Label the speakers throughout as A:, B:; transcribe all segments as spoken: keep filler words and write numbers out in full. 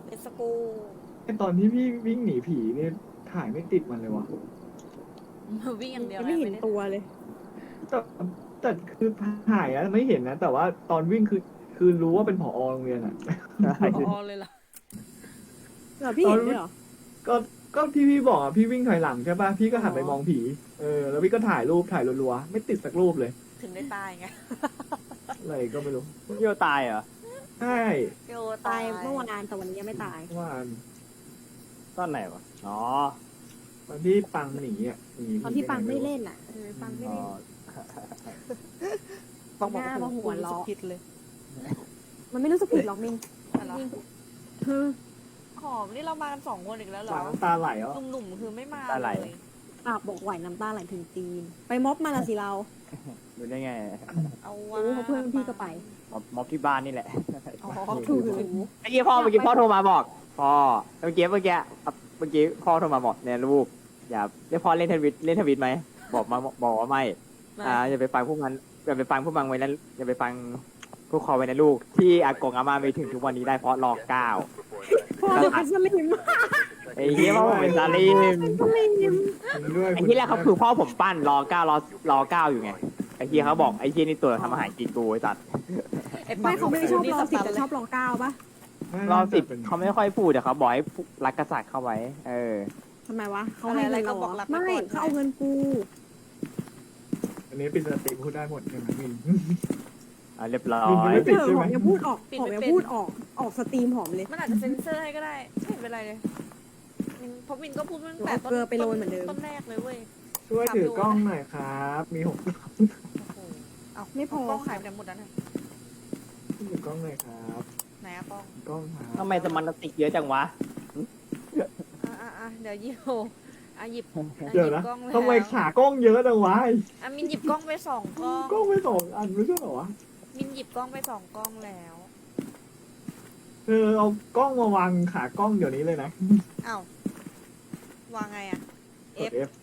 A: เป็นสกู
B: ไอตอนที่พี่วิ่งหนีผีนี่ถ่ายไม่ติดมันเลยวะ
A: วิ่งอย่างเดียว
C: ไม่เห็น
A: ด้
C: ตัวเลย
B: แต่แต่คือถ่ายอะไม่เห็นนะ แต่ว่าตอนวิ่งคือคือรู้ว่าเป็นผอโรงเรียนอะ
A: พอเลยเหรอ
C: เหรอพี่เห็นด้วยเหรอ
B: ก็ก็ที่พี่บอกอะพี่วิ่งถอยหลังใช่ป่ะพี่ก็หันไปมองผีเออแล้วพี่ก็ถ่ายรูปถ่ายรัวๆไม่ติดสักรูปเลย
A: ถึงได้ตายไง
B: อะไรก็ไม่รู้
D: โยตายเหรอ
B: ใช่
A: โย
C: ตายเมื่อวานแต่วันนี้ยังไม่ตาย
B: ว่า
D: ตอนไหนวะอ๋อ
B: ตอนที่ปังหนีอ่ะห
C: ตอนที่ปังไม่เล่นอ่ะเออปังไม่
D: อ๋อ
C: เล่น
A: ปังบอก
C: หน้าว่าหัวเราะ
A: ผิดเลย
C: มันไม่รู้สึกผิดหรอกมิง
A: อะไร
C: คือ
A: หอมนี่เรามากันสองคนอีกแล้วเหร
B: ปา
A: อก
B: น้ำตาไหลอ่ะ
A: หนุ่มๆคือไม่มา
D: ตาไหล
A: เลย
C: ปากบอกไหวน้ำตาไหลถึงตีน ไปม็อบมาละสิเรา
D: ดูได้ไง
A: เอาว่า
C: รู้เพราะเพื่อนพี่ก็ไป
D: ม็อบม็อบที่บ้านนี่แหละ
A: อ๋อ
C: ถูก
D: เมื่อกี้พ่อเมื่อกี้พ่อโทรมาบอกพ่อเมื่อกี้เมื่อกี้เมื่อกี้พ่อโทรมาบอกเนี่ยลูกอย่าเรียกพ่อเล่นทวิตเล่นทวิตไหมบอกมาบอกว่าไม่อ่าอย่าไปฟังพวกมันอย่าไปฟังพวกมันไว้นะอย่าไปฟังพวกคอไว้นะลูกที่อากงอาม่าไปถึงทุกวันนี้ได้เพราะรอเก้า
C: พ่อจะเป็นสลิม
D: ไอ้เหี้ยพ่อผมเป็นซาลิม
C: สลิม
B: จริงด้วย
D: ไอ้ที่แรกเขาคือพ่อผมปั้นรอเก้ารอรอเก้าอยู่ไงไอ้ที่เขาบอกไอ้ที่นี่ตัวทำอาหารกินกูไอ้สัตว์
A: อ้ปั
C: ไม่
A: ง
C: เขาไม่ชอบรอสิบ
A: นี่
C: แต่
A: ส
C: ช
A: ตั
C: อน บรอเก้าปะ
D: รอบสิบเขาไม่ค่อยพูดแต่เขาบอกให้รักกษัตริย์เข้าไว้ เออ
C: ทำไมวะเขาให้เงินเราเหรอไม่เขาเอาเงินกู
B: อันนี้เป็นสติพูดได้หมดใช่ไหมมิน
D: อ่ะเรียบร้อ
B: มี
D: ย
B: ไม่ติ
C: เอ
B: ด
C: อ
B: ใช่
C: ห
B: ไหม
C: อมอย่าพูดออกหอมอย่าพูดออกออกสตรีมหอมเลย
A: มันอาจจะเซ็นเซอร์ให้ก็ได้ไม่เป็นไรเลยมินเพราะมินก็พูดตั้งแต่ต้น
C: เอาเกลือไปโรยเหมือนเดิม
A: ต้นแรกเลยเว้ย
B: ช่วยถือกล้องหน่อยครับ มีหก
A: โอ้โหเอา
C: ไม่พอ
A: กล้องหายไปไหนหมดแล้วนะ
B: ถือกล้องหน่อยครับ
A: ไหนอะกล้อง
B: กล้องครับ
D: ทำไมสมันติกเยอะจังวะ
A: อ่ะอ่ะอ่ะเดี๋ยวหยิบอ่ะหยิบอ่ะ
B: เดี๋ยว
A: หยิ
B: นะ
A: บกล้องแล้ว
B: ทำไมขากล้องเยอะจังวะ
A: อ่ะมินหยิบกล้องไปสองกล้อง
B: กล้องไม่สองอันไม่ใช่เหรอวะ
A: มินหยิบกล้องไปสองกล้องแล้ว
B: เธอเอากล้องมาวางขากล้องเดี๋ยวนี้เลยนะ
A: อ้าววางไงอะ
B: กด
A: F
B: F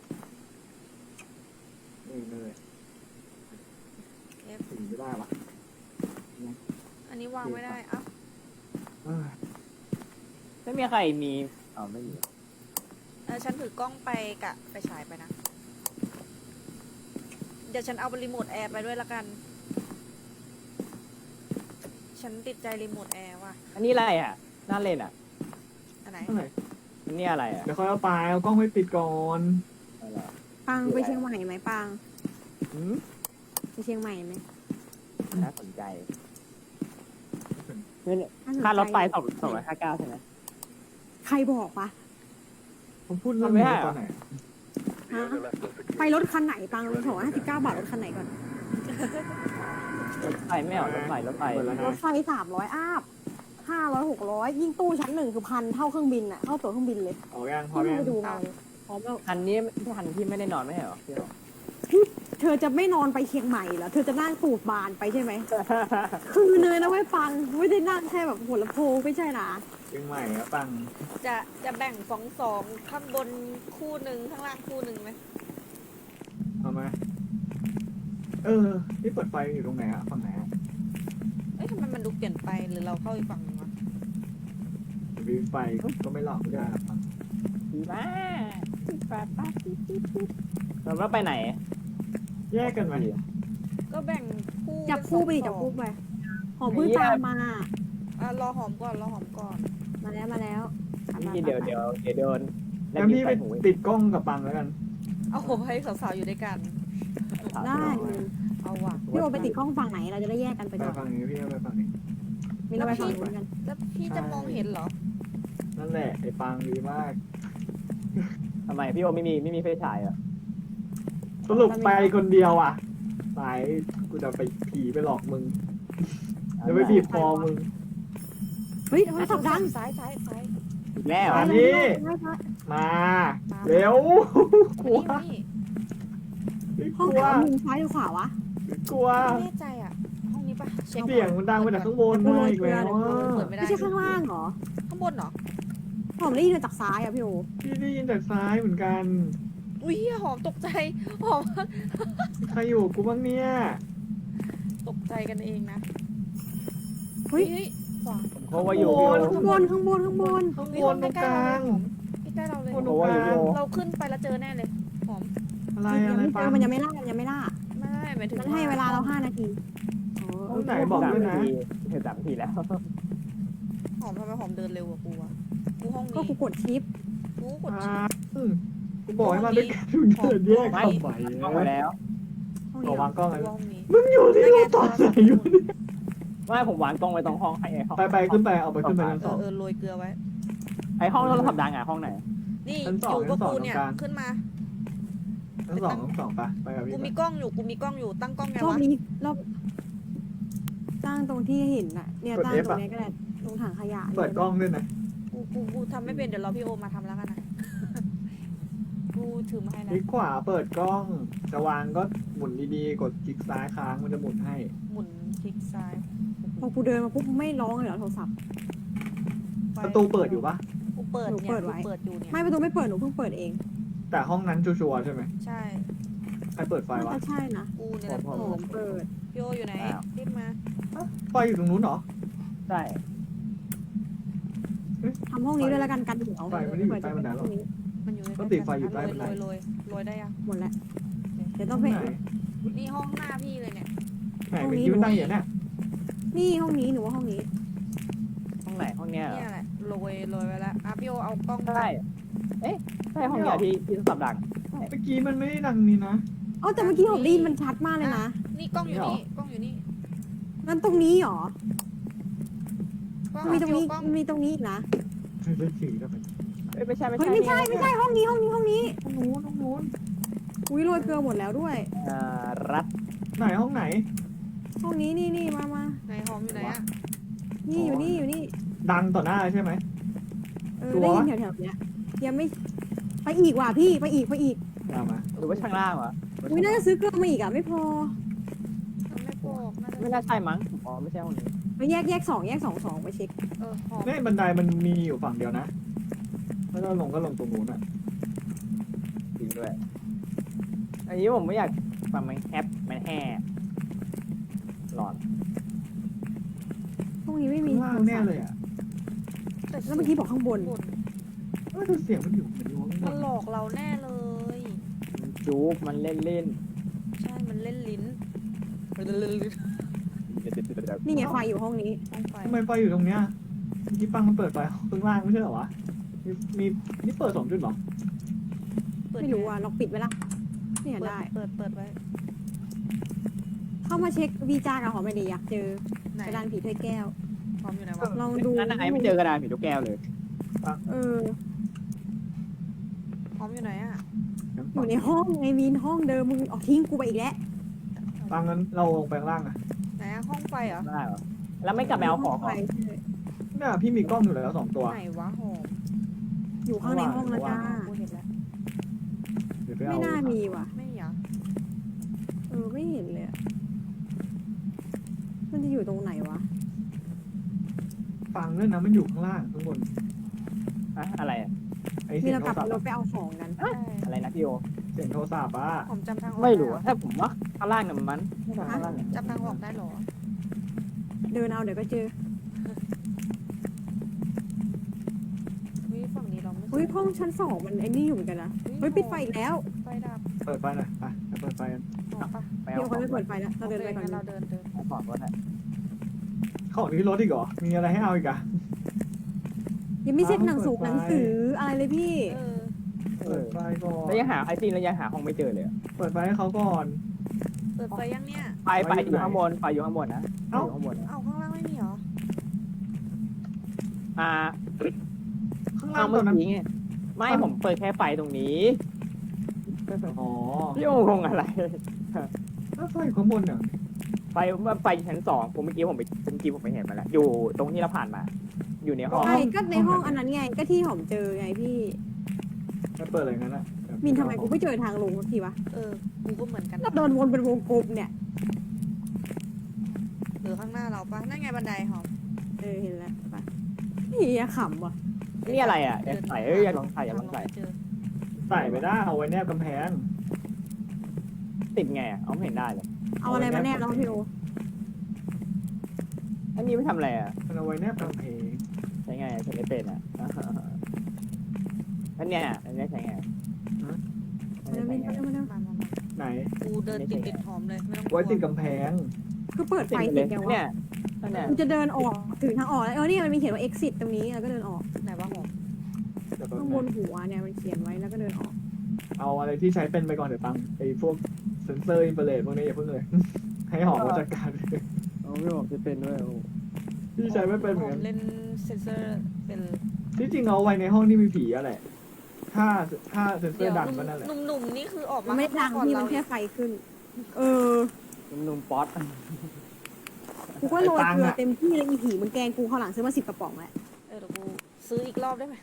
B: นี่เลย
A: F
B: ถึงไม่ได้วะ
A: อันนี้วางไม่ได้อ้าว
B: เอ้ย
D: ไม่มีใครมีอ๋อไม่มี
A: เออฉันถือกล้องไปกะไปฉายไปนะ เดี๋ยวฉันเอารีโมทแอร์ไปด้วยละกัน ฉันติดใจรีโมทแอร์ว่ะ
D: อันนี้อะไรอ่ะน่าเล่นอ่ะ
A: อันไหน
B: เท่าไหร่
D: อันนี้อะไรอ่ะ
B: เดี๋ยวค่อยเอาไปเอากล้องไปติดก่อน
D: อะไรอ่ะ
C: ปังไปเชียงใหม่ไหมปัง
D: หืม
C: ไปเชียงใหม่ไหม
D: น่าสนใจเนี่ย
C: น่สนใจ
D: ค่ารถไฟสองสองร้อยห้าเก้าใช่ไหม
C: ใครบอกปะ
B: ผมพูดเรื่องนี้
D: ทำไม่ได้
B: ตอนไหน
C: ฮะไปรถคันไหนปังสองร้อยห้าสิบเก้าบาทรถคันไหนก่อน
D: รถไฟไม่เอารถไฟรถไฟ
B: เปิดแล้ว
C: ร
B: นะ
C: ถไฟสามร้อยอาบห้าร้อยหกร้อยยิ่งตู้ชั้นหนึ่งคือพันเท่าเครื่องบินอะเท่าตั๋วเครื่องบินเลย
B: เอายังพอ
C: ที่
B: ยัง
C: ไปดูมาเลยพร้อมแล้ว
D: คันนี้ที่คันที่ไม่ได้นอนไม่ใช่เหรอพี่หรอ
C: เธอจะไม่นอนไปเชียงใหม่เหรอเธอจะนั่งตูดบานไปใช่ไหมคือเลยนะไว้ยปังไม่ได้นั่งแค่แบบหัวลำโพงไม่ใช่นะ
B: เชียงใหม่อะปัง
A: จะจะแบ่งสองสองข้างบนคู่หนึ่งข้างล่างคู่หนึ่งไหม
B: เอาไหมเออนี่เปิดไฟอยู่ตรงไหนอะฝั่งไหนอะ
A: เอ้ยทำไมมันดูเปลี่ยนไปหรือเราเข้าอีกฝั่งนึงวะ
B: มีไฟก็ไม่หลอกได้ปัง
D: ดีมากป้าป้าปิ๊บปิ๊บปิ๊บเราแล้วไปไหน
B: แยกกันไหม
A: ก็แบ่งคู่
C: จับคู่ไปดิ
A: เป็นส
C: จั
A: อบ ง
C: คู่ไปหอมเพิ่งตามมา
A: อ่ะรอหอมก่อนรอหอมก่อน
C: มาแล้วมาแล้วอ่ะมา
D: นี่เดี๋ยวเดี๋ยวเดี๋ยวโดนแล้ว
B: งั้น
D: มี
B: พี่
D: ไฟ
B: ไป
D: หู
B: ติดกล้องกับปังแล้วกัน
A: เอาโหให้สาวๆอยู่ด้วยกัน
C: ได้
A: เอาว่ะ
C: พี่โอไปติดกล้องฝั่งไหนเราจะได้แยกกันไป
B: ไป
C: ก่อน
B: ฝั่งนี้พี่เอาไปฝั่งนี้
C: มีเราไปฝั่งนู้นกัน
A: แล้วพี่จะมองเห็นเหรอ
B: นั่นแหละไอ้ปังดีมาก
D: ทำไมพี่โอไม่มีไม่มีไฟฉายเหรอ
B: สรุปไปคนเดียวอ่ะสายกูจะไปผีไปหลอกมึงจะไปบีบคอมึง
C: เฮ้ยโทรศัพท์ดัง
A: ซ้ายซ้ายซ้าย
D: อีกแล้ว
B: อัน
D: อ่ะ
B: นี้
C: ไม่ใช่
B: มา เร็วกลัว
A: นี่นี่
B: ก
C: ห้อง
B: ลัว
C: แถวมุมซ้ายหรือขวาวะ
B: กลัว
A: ไม่แน่ใจอ่ะ ห้องนี้ปะเช็ค
B: เสียงมันดังมาจากข้างบนมาอีกแล้ว
A: เปิ
B: อะ
A: ดไม่ได้
C: ไม่ใช่ข้างล่างเหรอ
A: ข้างบนเหรอ
C: ผมได้ยินมาจากซ้ายอะพี่โอ
B: พี่ได้ยินจากซ้ายเหมือนกัน
A: อุ้ยหอมตกใจหอม
B: ใครอยู่กูบ้างเนี่ย
A: ตกใจกันเองนะ
C: เฮ้ย
A: เฮ้ยขวา
D: ผมเขาว่าอยู่
B: โอ้
D: พี่
B: โห
D: โอ
C: ข้างบนข้างบนข้างบน
B: ข้าง
A: เฮ้ย
B: บ
A: ห้อน ง
B: ตรง
A: ใก
B: ก
A: ล้ๆ
B: ลา
A: เรา
B: ง
A: เลยใกล้ๆเราเลย
B: บนตรงกลาง
A: เราขึ้นไปแล้วเจอแน่เลยหอม
B: อะไร
C: ยั
B: อะ
C: ง
B: ไร
C: ไม่เจ
B: ปั
C: อง มันยังไม่ล่ามันยังไม่ล่า
A: ไม่หมายถึง
C: มันให้เวลาเราห้านาทีอ๋อ
B: ห้องไหนบอก
D: สาม
B: ด้วย
D: นา
B: นะ
D: ทีถึงสามนาทีแล้ว
A: หอมทำไมหอมเดินเร็วกว่ากูวะกูห้อง
C: ก็
A: นี้
C: กูกดชิป
A: กูกด
B: อ่าอืมกูบอกให้มาด้วยกันมึงเดินแยกทำไม
D: ต้องมาแล้ว
C: ห้อง
B: ขอ
C: นี้
B: วางกล้องเลย
A: กูห้องนี้
B: มึงอยู่ที่รูปตอนไหนอยู่เนี่ย
D: ไม่ผมวางกล้องไว้ตรงห้องไอ้ห้อง
B: ไปไปขึ้นไปเอาไปขึ้นไปชั้น
A: เอ
B: สอ
A: อง เออโรยเกลือไว้
D: ไอ้ห้องโทรศัพท์ดังอ่ะห้องไหน
A: นี่
B: ชั้นส
A: อ
B: อง
A: ยู่กับ
B: ชั้นสอง
A: กูเนี่ย
B: ตรงกลาง
A: ขึ้นมา
B: ชั้นสองชั้นสองไปไปกับพี่
A: กู
B: ไป
A: มีกล้องอยู่กูมีกล้องอยู่ตั้งกล้องไง
C: รอบ
A: วะ
C: นี้รอบตั้งตรงที่เห็นน่ะ เนี่ยตั้งตรงนี้ก็ได้ตรงถังขยะ
B: เปิดกล้องด้วยนะ
A: กูกูกูทำไม่เป็นเดี๋ยวรอพี่โอมาทำแล้วกันนะ กูถือมาให้
B: ค
A: นะ
B: ลิกขวาเปิดกล้อง จะวางก็หมุนดีๆ กดคลิกซ้ายค้างมันจะหมุนให้
A: หมุนคลิกซ้าย
C: พอกูเดินมาปุ๊บไม่ร้องเลยเหรอโทรศัพท์
A: ไฟ
B: ประตูเปิดอยู่ปะ
A: กูเปิด
C: หนู
A: เนี่ย
C: เปิดไว้
A: กูเปิดอยู่เนี่ย
C: ไม่ประตูไม่เปิดหนูเพิ่งเปิดเอง
B: แต่ห้องนั้นชัวร์ๆใช่ไหม
A: ใช่
B: ใครเปิดไฟ
C: น่าว
B: ะ
C: จะใช่นะ
A: กูเนี่ยแหละ
B: พอ
C: โอ้
A: เปิด
C: เปิด
A: พี่โออยู่ไหนรีบมา
B: ไฟอยู่ตรงนู้นเหรอ
D: ใช่
C: ทำห้องนี้ด้วยแล้วกันกันเดี๋ยว
B: ไฟไม่ได้อยู่ใต้บันไดหรอ
A: มันอยู่ใน
B: ก็ติดไฟอยู่ใต้
A: โร
B: บันได
A: โรยโรยโรยได้ยัง
C: หมดแล้วเดี๋ยว
B: ห้
C: ต้
B: อ
C: อง งไป
B: ไหน
A: นี่ห้องหน้าพี่เลยเนี่ย
B: ไหนเป็นคิวตั้งอย่างเนี้ย
C: นี่ห้องนี้หนูว่าห้องนี้
D: ห้องไหนห้องเนี้ยเหรอ
A: เนี่ยแหละโรยโรยไว้แล้วอ่ะพี่โอเอากล้อง
D: ใช่เอ๊ะใช่ห้องเนี้ยที่ที่โทรศัพท์ดัง
B: เมื่อกี้มันไม่ได้ดังนี่นะ
C: อ๋อแต่เมื่อกี้ผมได้ยินมันชัดมากเลยนะ
A: นี่กล้องอยู่นี่กล้องอยู่นี่
C: งั้นตรงนี้เหรอ
A: กล้อง
C: มีตรงนี้
A: กล้อง
C: มีตรงนี้อีกนะ
B: เล่นสีกันไป
D: เอ้ยไม่ใช่ไม่
C: เฮ้ย
D: ใช่
C: ไม่ใช่ไม่ใช่ห้องนี้ห้องนี้ห้องนี้
B: ตรงนู้นตรงนู้น
C: อุ้ยโรยเกลือหมดแล้วด้วย
D: อ่ารัด
B: ไหนห้องไหน
C: ห้องนี้นี่นี่มามา
A: ไหนหอมอยู่ไหนอ่ะ
C: นี่อยู่นี่อยู่นี่
B: ดังต่อหน้าใช่ไหม
C: เออ
B: ชัวร์
C: ได้ยินแถวๆเนี้ยยังไม่ไปอีกว่ะพี่ไปอีกไปอีก
B: ตามมา
D: หรือว่าข้างล่างวะ
C: อุ้ยน่าจะซื้อเกลือมาอีกอ่ะไม่พอ
A: มันไม่บอกน่าจะ
D: ไม่น่าใช่มั้งอ๋อไม่ใช่ห้องนี้
C: ไปแยกแยกสองแยกสองสองไปเช็ค
A: เออหอม
B: เนี่ยบันไดมันมีอยู่ฝั่งเดียวนะแล้วก็ลงก็ลงตรงนู้นอ่ะ
D: จริงด้วย อันนี้ผมไม่อยากฟังมันแคปมันแห่หลอน
C: ห้องนี้ไม่มี
B: ข้างล่างแน่เลยอ่ะ
A: แต่
C: แล้วเมื่อกี้บอกข้างบน
A: บน
B: เออแต่เสียงมันอยู่มันอยู่ข้างบ
A: มัน
B: น
A: หลอกเราแน่เลย
D: มันจูบมันเล่นเล่น
A: ใช่มันเล่นลิ้น
C: นี่ไงไฟอยู่ห้องนี้
A: ห้องไฟ
B: ทำไมไฟอยู่ตรงเนี้ยเมื่อกี้ปังมันเปิดไฟข้างล่างไม่ใช่เหรอวะมีมีนี่เปิดสองจุดเหรอ
A: เปิด
C: ไม่รู้อ่ะล็อกปิดไว้ละเนี่ย
A: เปิด
C: ได้
A: เปิดเปิดไว้
C: เข้ามาเช็ควีจากับหอมไม่ดีอยากเจอ
A: ไหน
C: กระดานผีถ้วยแก้ว
A: หอมอยู่ไหนวะ
C: ลองดู
D: นั่นไอ้ไม่เจอกระดานผีลูกแก้วเลย
C: เออ
A: หอมอยู่ไหนอ่ะ
C: อยู่ในห้องไงมีนห้องเดิมมึงออกทิ้งกูไปอีกแล้ว
B: ปังงั้นเราลงไปข้างล่างอ่ะ
A: ไหนอะห้องไฟเหรอ
D: ได้เหรอ แล้วไม่กลับไปเอาของเหรอ
C: ไป
B: เนี่ยพี่มีกล้องอยู่แล้วสองตัว
A: ไหนวะหอม
C: อยู่ข้างในห้องแล้วจ้า
A: กูเห็นแล้ว
B: เดี๋ยวไป
C: ไม่
B: เอา
C: น่ามีว่ะ
A: ไม่เหรอ
C: เออไม่เห็นเลยอะมันจะอยู่ตรงไหนวะ
B: ฟังด้วยนะมันอยู่ข้างล่างข้างบน
D: อะอะไรอะ
B: ไอ้
C: มี
B: เสียง
C: เรา
B: โท
C: กลั
B: ร
C: บ
B: ศัพท์
C: รถ
B: อะ
C: ไปเอาของกัน
A: ใช่
D: อะไรนะพี่โอ
B: เสียงโทรศัพท์อ่ะ
A: หอมจำทางออก
D: ไม่รู้
A: ด้
D: อะ
A: เหอ
D: ถ้าผมว่าข้างล่างเนี่ยมันไม่ใช่ข้างล่างเนี่ย
A: จำทางออกได้เหรอ
C: เดินเอาเดี๋ยวก็เจอ
A: เฮ้ยฝั่งนี้เราไม่
C: เฮ้ยห้องชั้นสองมันไอ้นี่อยู่เหมือนกันนะเฮ้ยปิดไฟอีกแล้ว
A: ไฟดับ
B: เปิดไฟหน่อยไปไปเปิดไฟกัน
A: หอมปะ
D: ไป
C: เดี๋
D: เอา
C: ยว
D: ข
C: เขา
D: อง
C: ไม่เปิดไฟแล้วเราเดินไปก่อน
A: โคงั้เราเดินเดิน
D: เอาของก็ได้
B: ของที่รถอีกเหรอมีอะไรให้เอาอีกอะ
C: ยังไม่เซ็ตหนังสือ
B: เปิดไฟ
C: หนังสืออะไรเลยพี่
A: เออ
B: เปิดไฟก่อน
D: แล้วยังหาไอซีนแล้วยังหาห้องไม่เจอเลยอะ
B: เปิดไฟให้เขาก่อน
A: เปิดไฟยังเนี่ย
D: ไฟไฟอยู่ข้างบนไฟอยู่ข้างบนนะไฟ
B: เอ้า
D: อยู่ข้างบนนะ
A: เอาข้างล่างไม่มีเหรอ
D: อ่า
B: ข้าง
D: เอา
B: ล่างต
D: เมื่
B: อ
D: อน
B: นั้น
D: กี้ไงไม่ผมเปิดแค่ไฟตรงนี้
B: อ๋อ
D: พี่โอคงอะไร
B: ถ้าไฟอยู่ข้างบนเนี่ย
D: ไฟไฟอยู่ชั้นสองผมเมื่อกี้ผมไปเมื่อกี้ผมไปเห็นมาแล้ว อยู่ตรงที่เราผ่านมา อยู่ในห้อง
C: ใช่ก็ในห้องอันนั้นไงก็ที่หอมเจอไงพี่
B: มันเปิดอะไรงั้นอะ
C: มินทำไมกูไม่เจอทางลงสักทีวะ
A: เออกูก็เหมือนกัน
C: เราเดินวนเป็นวงกลมเนี่ย
A: หรือข้างหน้าเราปะนั่นไงบันไดหอม
C: เออเห็นแล้วไปเฮียขำว่ะ
D: นี่อะไรอ่ะอยากใส่เอ้ยอยากลองใส่อยากลองใส่
A: เจอ
B: ใส่ไปได้เอาไว้แนบกำแพง
D: ติดไงอ่ะเอาไม่เห็นได้เลย
C: เอาอะไรมาแนบแล้วพี่โอ
D: อันนี้ไม่ทำอะไรอ่ะ
B: มันเอาไว้แนบกำแพง
D: ใช้ไงใช้ไม่เป็นอ่ะอันเนี้ยอันเนี้ยใช้ไงอัน
C: มา
D: เนี้ย
C: เร็ว
D: ใช้
C: มา
D: ไง
C: เร็วมาเร็ว
A: มามามา
B: ไหน
A: กูเดินติดติดหอมเลยไม่ต้องกลั
B: ไว้
A: ว
B: ติดกำแพง
C: คือเปิดไฟ
D: ติด
C: เส
D: เล
C: ร็จ
D: ย
C: ยัง
D: เนี่
C: วะ
D: ยอันเนี้ย
C: กูจะเดินออกถึงทางออกแล้วเออนี่มันมีเขียนว่า exit ตรงนี้แล้วก็เดินออก
A: ไหนวะหอม
B: เดี๋ยวแป๊บ
C: ข้างบ
B: นึ
C: น
B: ง
C: หัวเนี่ยมันเขียนไว้แล้วก็เดินออก
B: เอาอะไรที่ใช้เป็นไปก่อนเดี๋ยวปังไอ้พวกเซนเซอร์อินฟราเรดพวกนี้อย่าเพิ่งเลย ให้หอมมาจัดการ
D: เอาไม่บอกจะเป็นด้วย
B: ที่ใช้ไม่เป็นเห
A: ห
B: มือ
A: อน ม
B: กัน
A: เล่นเซนเซอร์เป็น
B: ที่จริงเอาไว้ในห้องที่มีผีอะแหละถ้าถ้าเซนเซอ
A: เดี๋ยว
B: ร์ดังก็นั่นแหละ
A: หนุ่มๆนี่คือออก
C: มั
A: มาน
C: ไม่ดัง
A: ก่อน
C: ที่
A: เรา
C: มันแค่ไฟขึ้น เออ
D: นุ่มๆป๊อต
C: กูก็โรยเกลือเต็มที่เลยอีผีมึงแกงกูข้าวหลังซื้อมาสิบกระป๋องแหละ
A: เออเดี๋ยวกูซื้ออีกรอบได้ไหม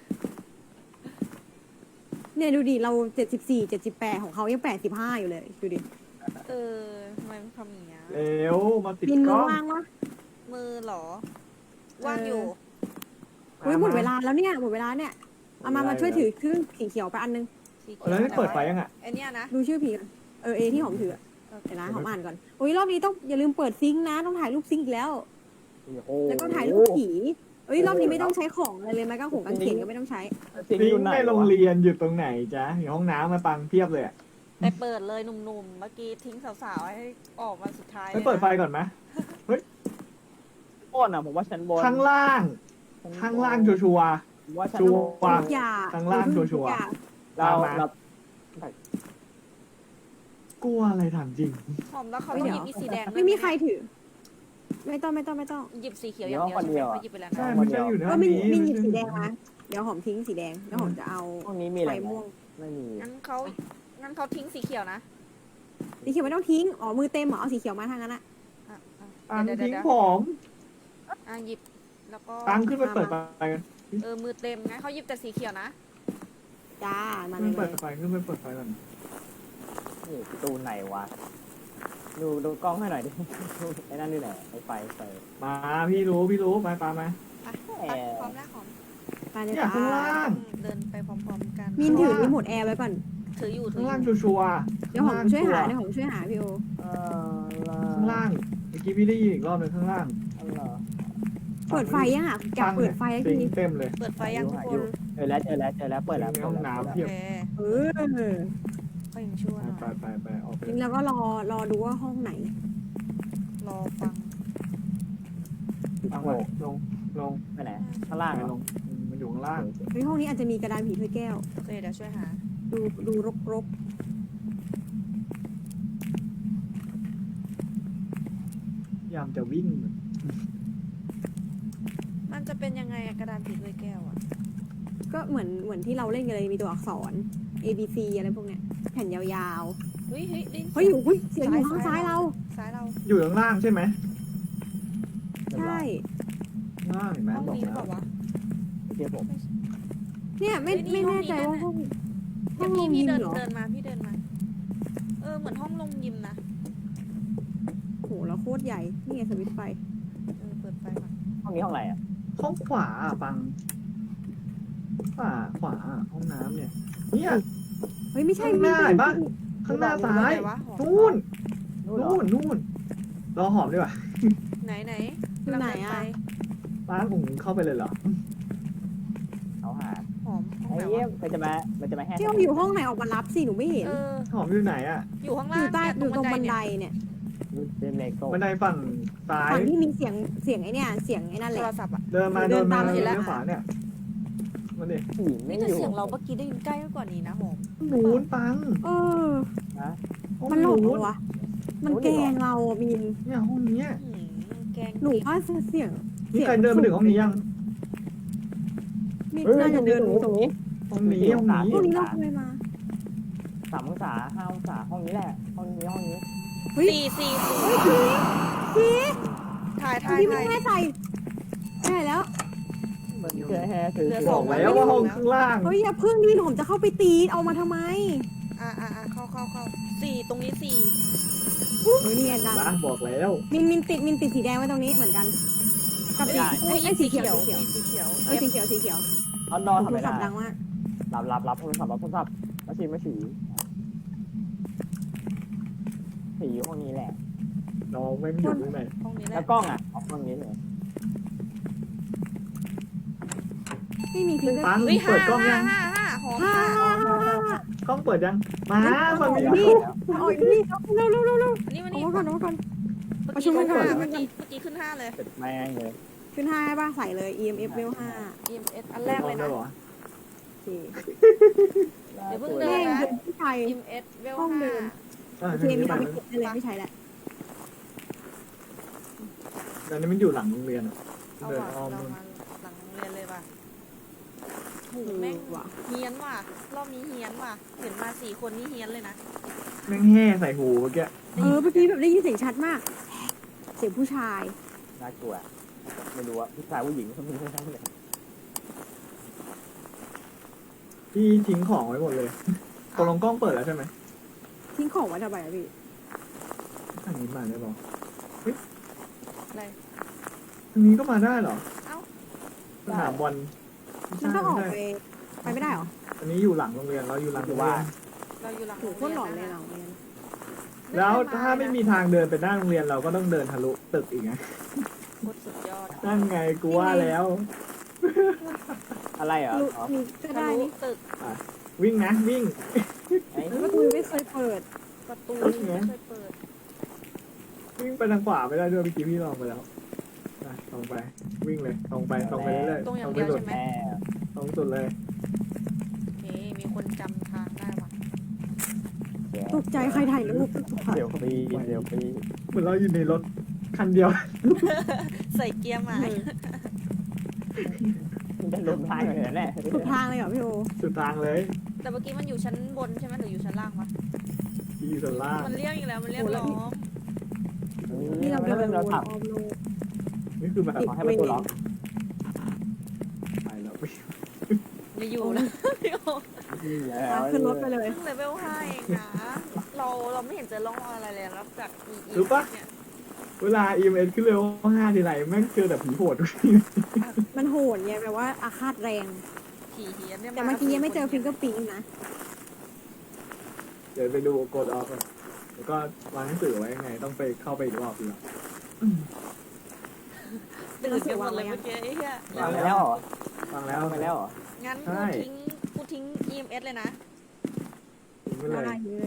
C: เนี่ยดูดิเราเจ็ดสิบสี่เจ็ดสิบแปดของเขายังแปดสิบห้าอยู่เลยดูดิ
A: เออทำไมมันทำอย่างเงี้ย
B: เร็วมาติด
C: บิน
B: ก
C: มื
B: ล้
C: อ
B: อง
C: ว่างวะ
A: มือเหรอ ว่างอยู่
C: เฮ้ยหมดเวลาแล้วเนี่ยหมดเวลาเนี่ยเอามามาช่วยถือเครื่องสีเขียวไปอันนึง
A: สีเขี
B: แล้วนี่เปิดไฟยังอ่ะ
A: ไอเนี้ยนะ
C: ดูชื่อผีก่อนเออเอที่หอมถืออะเดี๋ยวนะหอมอ่านก่อนโอ้ยรอบนี้ต้องอย่าลืมเปิดซิงค์นะต้องถ่ายรูปซิงค์อีกแล้ว
D: โอ้โห
C: แล้วก็ถ่ายรูปผีเอ้ยรอบนี้ไม่ต้องใช้ของอะไรเลยแม้กระทั่งหงกางเขนก็ไม่ต้องใช้
D: ซิง
B: ซิง
D: อยู่
B: ค์
D: ไหน
B: ในโรงเรียนอยู่ตรงไหนจ๊ะอยู่ห้องน้ำมาปังเพียบเลยอะ
A: ไปเปิดเลยหนุ่มๆ เมื่อกี้ทิ้งสาวๆให้ออกมาสุดท้าย
B: ไปเปิดไฟก่อนไหม
D: บนอ่ะผมว่าชั้นบน
B: ข้างล่าง ข้างล่างชัวร์
D: ผมว่าชั้น
B: ชั
D: บ
B: วร์
D: น
C: ทุกอย่าง
B: ข้างล่างชัวร์ๆ
C: ทุกอย่าง
D: เรา
B: ตามมา
D: เรา
B: ๆกลัวอะไรถามจริง
A: หอมแล้วเขาต้องหยิบอีสีแดงด้วย
C: ไม่มีใครถือ ไม่ต้องไม่ต้องไม่ต้อง
A: หยิบสีเขียวอย่างเดียวใช่ไหมเขาหยิบไปแล้ว
B: ใช่
A: นะ
B: ไม่ใช่อยู่ใน
C: ก็
B: ห้อง
C: มิน
B: นี้
C: มินหยิบสีแดงมาเดี๋ยวหอมทิ้งสีแดงแล้วหอมจะเอา
D: ห้องนี้มีอะ
C: ไฟ
D: ไรไหม
C: ม่วง
D: ไม่มี
A: งั้นเขางั้นเขาทิ้งสีเขียวนะ
C: สีเขียวไม่ต้องทิ้งอ๋อมือเต็มเหรอเอาสีเขียวมาทางนั้นอะ
A: อ่ะอ่ะ
B: ปัง
A: เดี๋ยว
B: ทิ้ง
A: เดี๋ยว
B: ผ
A: เดี๋ยว
B: ม
A: อ่ะหยิบแล้วก็
B: ปังขึ้นไปเปิดไฟกัน
A: เออมือเต็มงั้นเขาหยิบแต่สีเขียวนะ
C: จ้ามาเล
B: ขึ้น
C: ย
B: ไปเปิดไฟขึ้นไปเปิดไฟก่อน
D: นี่ประตูไหนวะดูดูกล้องให้หน่อยดิไอ้นั่นนี่ไหนไอ้ไฟไฟ
B: มาพี่รู้พี่รู้มาปามา
A: ไปไปพร้อมแล้วหอม
C: ไปเลย
B: เนี่ย
C: จ้า
B: ข้างล่าง
A: เดินไปพร้อมๆกัน
C: มินถือรีโมทแอร์ไว้ก่อน
A: ถืออยู่ถื
B: ข้าง
A: ออ
B: ล่าง
A: ยู่
B: ชัวร์
C: เดี๋ยวหอมช่วยหาเดี๋ยวหอมช่วยหาพี่โอ
D: เออ
B: ข้างล่างเมื่อกี้พี่ได้ยินอีกรอบหนึงข้างล่าง
D: อันเหรอ
C: เปิดไฟยังอ่ะอยากเปิดไฟแล้ว
B: ซิ
C: ที
B: ง
C: นี้
B: เต็มเลย
A: เปิดไฟยังทุกคน
D: เจอแล้วเจอแล้วเจอแล้วเปิดแล้ว
B: ในห้องน้ำ
A: โอ
B: เพียบ
A: เค
C: เออ
A: ก็ยังชั่วหน่
B: ไป
A: อย
B: ไปไปออกไป
C: ทีนี้เราก็รอรอดูว่าห้องไหน
A: รอฟัง
B: ปังไปลงลง
D: ไปไหนข้างล่าง
B: ไป
D: อะ
B: ลงมันอยู่ข้างล่าง
C: เฮ้ยห้องนี้อาจจะมีกระดานผีถ้วยแก้ว
A: โอเคเดี๋ยวช่วยหา
C: ดูดูรกรก
B: พยายามจะวิ่ง
A: มันจะเป็นยังไงอะกระดานผีถ้วยแก้วอะ
C: ๆก็เหมือนเหมือนที่เราเล่นกันเลยมีตัวอักษร A B C อะไรพวกเนี้ยแผ่นยาว
A: เฮ้ยเฮ้ยได้น
C: ๆเฮ้ยอยู่เฮ้ยเสียงอยู่ข้างซ้ายเรา
A: ซ้ายเรา
B: อยู่ข้างล่างใช่ไหม
C: ใช่
B: ข้างล่างเห็นไหม
A: ห้อง
B: บอก
A: นี้หรือ
B: แล้
A: เป
B: ว
A: ล่าวะ
D: เจอผม
C: เนี่ยไม่
A: เฮ้ยนี่
C: ไม่แน่ใจ
A: ห้อง
C: ว่า
A: นี้
C: ห้อง
A: เดี๋
C: ห้
A: ย
C: อ
A: ว
C: งล
A: พี่
C: ง
A: พี่
C: ยิม
A: เดิน
C: เหรอ
A: เดินมาพี่เดินมา เออเหมือนห้องลงยิมนะ
C: โหเราโคตรใหญ่นี่ไงสวิตช์ไฟ
A: เออเปิดไฟก่อน
D: ห้องนี้ห้องอะไรอ่ะ
B: ห้องขวาอะปังขวาขวาอะห้องน้ำเนี่ยเนี่ย
C: เฮ้ยไม่ใช่
B: ข้างหน้า
C: ไม่
B: เห็นปะ
C: ใช่
B: ข้างหน้าซ้าย
A: ไหนวะหอม
B: นู่น
D: นู่นเหรอ
B: นู่นนู่นรอหอมดีกว่า
A: ไหนไหน
C: อยู่ไหนอะ
B: ป้าผมเข้าไปเลยเหรอ
D: เขาหา
A: หอมห้อง
D: ไอ้
A: ไหน
D: เยี่ยว
A: ะ
D: มันจะมามันจะมาแห่
C: ที่เราอยู่ห้องไหนออกมารับสิหนูไม่เห็น
A: เออ
B: หอมอยู่ไหนอะ
A: อยู่ข้าง
C: อ
A: ล่าง
C: ยู่ใต้อยู่ตรงบันได
A: เนี่ย
C: เนี่ย
D: เป็นเลโก้
B: บันไดฝั่งซ้าย
C: ฝั่งที่มีเสียงเสียงไอ้เนี่ยเสียงไอ้นั่นแห
A: โท
C: ละ
A: รศัพท์อะ
B: เดินมา
C: เดิ
B: เดิ
C: น
B: น
C: ตา
B: มา
C: ม
B: เลี้
C: เห็นแล้ว
B: ยวขวาเนี่ยมาดิ
D: ผีไม่
A: นี่แต่
D: อยู่
A: เสียงเราเมื่อกี้ได้ยินใกล้กว่านี้นะหอม
B: หนูนปัง
C: เออ
D: นะ
B: ห้อง
C: มันหลอก
B: นู
C: เหรอน วะมันแกล้งเราอ่ะมิน
B: เนี่ยห้องเนี้ย
A: หืมแกง
C: หนู
A: ดิบ
C: ว่าเสียง
B: นี่ใครเดินมาถึงห้องนี้ยัง
C: มิน
D: เฮ้ย
C: น่า
D: ตร
C: จะ
D: ง
C: เดิ
D: นี้
C: น
D: ตรงนี้ตรงนี้
B: ห้องนี้ห้องนี้
C: พวกนี้เราเคยมา
D: สามองศาห้าองศาห้องนี้แหละห้องนี้ห้องนี้
C: เฮ้ย
A: สี่สี่สี่
C: เฮ้ยผีผี
A: ถ่ายถ่าย
C: พี่ไม่
A: ถ่าย
C: แน่ใจใช่แล้ว
D: มันเจอแฮถือ
A: เหลือ
D: ถื
A: ส
B: บ
A: อ
B: อง กแล้วว่าห้องข้างล่าง
C: เฮ้ยอย่าพึ่งดิผมจะเข้าไปตีเอามาทำไม
A: อ่าอ่าอ่าเข้าเข้าเข้าสี่ตรงนี้สี่
C: เฮ้ยนี่ไงดัน
B: นะบอกแล้ว
C: มินมินติดมินติดสีแดงไว้ตรงนี้เหมือนกัน กับสีเอ้ยเอ้ยสีเขียวสีเขียว
A: สีเขียว
C: เออสีเขียวสีเขียว
D: เอานอนทำ
C: โท
D: ไม่
C: รศั
D: ได้
C: พท์ดังมาก
D: รับรับรับโทรศัพท์รับโทรศัพท์มาฉีมาฉีผีห้องนี้แหละ
B: น้องไม่อยู่ข้างใน
A: ห้องนี้แห
D: แล้
A: ละ
D: วกล้องอ่ะเอาห้องนี้เลย
C: ไม่มีฟิงเกอร์
B: ปัง
A: เฮ้ย
B: เปิ
A: ห้า
B: ดกล้องยั
A: ห้าง ห้าห้าหอม
C: ฮ่า
A: ห้า
C: ฮ่าฮ่าฮ่าก
B: ล้องเปิดยังมามันมี
C: นี่มาอ่อยนี่เร็วเร็วเร็วเร็ว
A: อันนี้วัน
C: เอา
A: นี้
C: มาก่อนเอามาก่อน
A: เมื่อ
C: ประชุ
A: กี้
C: ม
A: ขึ้น
C: กันก่อน
A: ห้าเมื่อกี้เมื่อกี้ขึ้นห้าเลย
D: เสร็จแม่งเลย
C: ขึ้นห้าให้ป่ะใส่เลย อี เอ็ม เอฟ เวลห้า
A: อี เอ็ม เอส อันแรกเลยนะ
B: หรอ
C: โอเค
A: เดี๋ยวเพิ่งเดิ
C: แม่
A: น
C: ง
A: นะ
C: เดินผู้ชาย
A: อี เอ็ม เอส เวล
C: ห้องเดิ
A: ห้าน
C: โอเคมีเอาไปเก็บได้เลยไม่ใช่แล้ว
B: ตอนนี้มันอยู่หลังโรงเรียนอะ
A: เอา
B: เดิน
A: ว่ะ
B: อ้อม
A: เรา
B: นู่น
A: มาหลังโรงเรียนเลยว่ะหู
C: เออ
A: แม่ง
C: ว่ะ
A: เฮี้ยนว่ะ รอบนี้เฮี้ยนว่ะ เห็นมาสี่คนนี่เฮี้ยนเลยนะ
B: แม่งแห่ใส่หูเมื่อกี้
C: เออเมื่อกี้แบบได้ยินเสียงชัดมาก เสียงผู้ชาย
D: น่ากลัวไม่รู้ว่าผู้ชายผู้หญิงเขามีทั้งนั้นเลย
B: พี่ทิ้งของไว้หมดเลยตกลงกล้องเปิดแล้วใช่ไหม
C: ทิ้งของไว้ทำไมอะพี่
B: ทางนี้มาได้หรอ
A: อะไร
B: ทางนี้ก็มาได้เหรอ
A: เอ้า
B: สนามบอลไม่
C: มัน
B: ใช่
C: ต้องออก
B: ไม่
C: ไป
B: ใช่
C: ไปไม่ได้เหรอ
B: อันนี้อยู่หลังโรงเรียนเราอยู่หลังโรงเรียน
A: เราอยู่หลัง
C: โหโคตรหลอนเลยเราเนี่ย
B: แล้วถ้าไม่มีทางเดินไปหน้าโรงเรียนเราก็ต้องเดินทะลุตึกอีกไง
A: โคตรสุดยอด
B: นั่นไงกูว่าแล้ว
D: อะไรเหรอ
C: รู้
D: อ๋อ
C: มีก็
A: ทะ
C: ได้
A: ลุ
C: นี่
A: ตึก
B: วิ่งนะวิ่ง
D: ไอ้
C: ประตูไม่เคยเปิด
A: ประตู
B: ตึกไง
A: ไม่เคยเปิด
B: วิ่งไปทางขวาไม่ได้ด้วยเมื่อกี้พี่ลองไปแล้วนะตรงไปวิ่งเลยตรงไปตรงไปเรื่อยๆ
A: ตรงอย่าง
B: ไป
A: เดียว
B: สุด
A: ใช่ไหม
D: แม่
B: ตรงสุดเลย
A: เฮ้มีคนจำทางได้ว่ะ
C: ตกใจใครถ่ายรูป
D: เดี๋ยวปีเดี๋ยวปี
B: เหมือนเราอยู่ในรถคันเดียว
A: ใส่เกียร์ใหม่
D: มันจะลงทางเลยแน่
C: สุดทางเลยเหรอพี่โอ
B: สุดทางเลย
A: แต่เมื่อกี้มันอยู่ชั้นบนใช่ไหมหรืออยู่ชั้นล่างวะ
B: ที่อยู่ส่วนล่าง
A: มันเรียกอีกแล้ว มันเรียกล้อม
C: นี่เราเดินวน
D: เรา
C: อ้
D: ถั
C: อบ มโลก
B: นี่คือแบบ
C: ติด
D: ให้ประตูล็อก
B: ไปแล้วไป
A: ไม่อยู่แล้วพี่โอ
D: แล้ว
C: ขึ้นรถไปเลย
A: เพิ่งเลเวลห้าเองนะ เราเราไม่เห็นเจอร่องรอยอะไรเลยนอกจากอีอีเนี่ย
B: เวลา อี เอ็ม เอส ขึ้นเร็วห้าทีไรแม่งเจอแต่ผีโหดทุกที
C: มันโหดไงแปลว่าอาฆาตแรง
A: ผีเฮียนเนี่ย
C: แต่เมื่อกี้ยังไม่เจอฟิงเกอร์ปิ้งนะ
B: เดี๋ยวไปดูกดออฟแล้วก็วางหนังสือไว้ยังไง ต้องไปเข้าไปอีกรอบดีกว่า
A: ตื่นกันหมดเลยเมื่อกี้ไอ้เหี้ย
D: วางไปแล้วเหรอ
B: ฟังแล้ว
D: วางไปแล้วเหรอ
A: งั้น
B: ใช่
A: กูทิ้งกูทิ้ง อี เอ็ม เอส เลยนะ
B: ทิ้งไปเล
C: ได้
B: ย
C: เลย